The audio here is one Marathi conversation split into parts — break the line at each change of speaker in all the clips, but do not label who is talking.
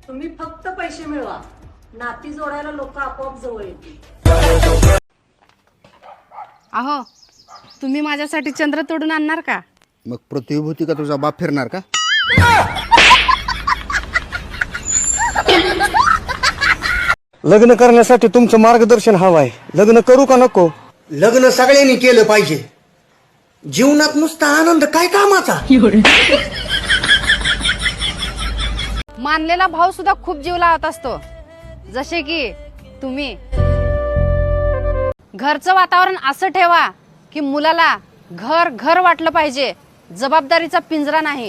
तुम्ही फक्त पैसे मिळवा, नाती जोडायला लोक आपोआप जवळ येतील.
अहो, तुम्ही माझ्यासाठी चंद्र तोडून आणणार का?
मग प्रतिभूती का तुझा बाप फिरणार का?
लग्न करण्यासाठी तुमचं मार्गदर्शन हवं आहे. लग्न करू का नको?
लग्न सगळ्यांनी केलं पाहिजे. जीवनात नुसता आनंद काय कामाचा?
मानलेला भाऊ सुद्धा खूप जीव लावत असतो, जसे की तुम्ही. घरचं वातावरण असं ठेवा की मुलाला घर घर वाटलं पाहिजे, जबाबदारीचा पिंजरा नाही.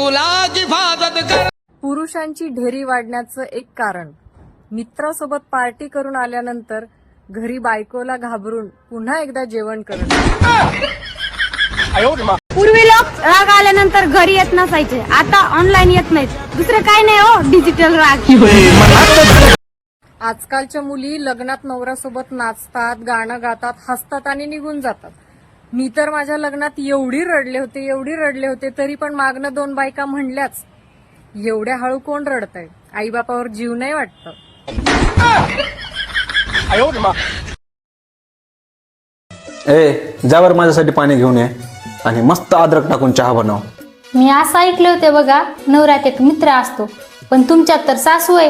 पुरुषांची ढेरी वाढण्याचं एक कारण, मित्रासोबत पार्टी करून आल्यानंतर घरी बायकोला घाबरून पुन्हा एकदा जेवण करणं.
पूर्वी लोक राग आल्यानंतर घरी येत नसायचे, आता ऑनलाईन येत नाहीत. दुसरं काय नाही हो, डिजिटल राग.
आजकालच्या मुली लग्नात नवऱ्यासोबत नाचतात, गाणं गातात, हसतात आणि निघून जातात. मी तर माझ्या लग्नात एवढी रडले होते तरी पण मागणं 2 बायका म्हणल्याच, एवढ्या हळू कोण रडतंय? आईबापावर जीव नाही वाटतं?
जावर माझ्यासाठी पाणी घेऊन ये आणि मस्त अद्रक टाकून चहा बनव.
मी असं ऐकले होते बघा, नवऱ्यात एक मित्र असतो, पण तुमच्यात तर सासू आहे.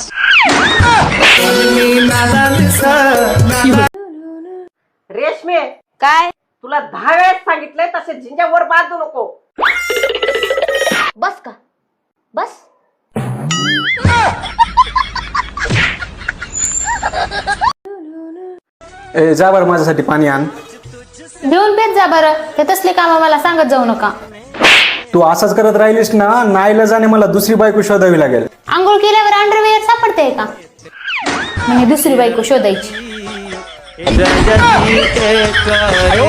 रेशमे,
काय?
तुला 10 वेळेस सांगितलंय तसे झिंजावर बांधू नको.
बस का? बस.
जावर माझ्यासाठी पाणी आण.
घेऊन पेत जा बरं, ते तसले काम मला सांगत जाऊ नका.
तू असंच करत राहिलीस ना, नाईलाजाने मला दुसरी बायको शोधावी लागेल.
आंघोळ केल्यावर अंडरवेअर सापडते का? म्हणजे दुसरी बायको शोधायची.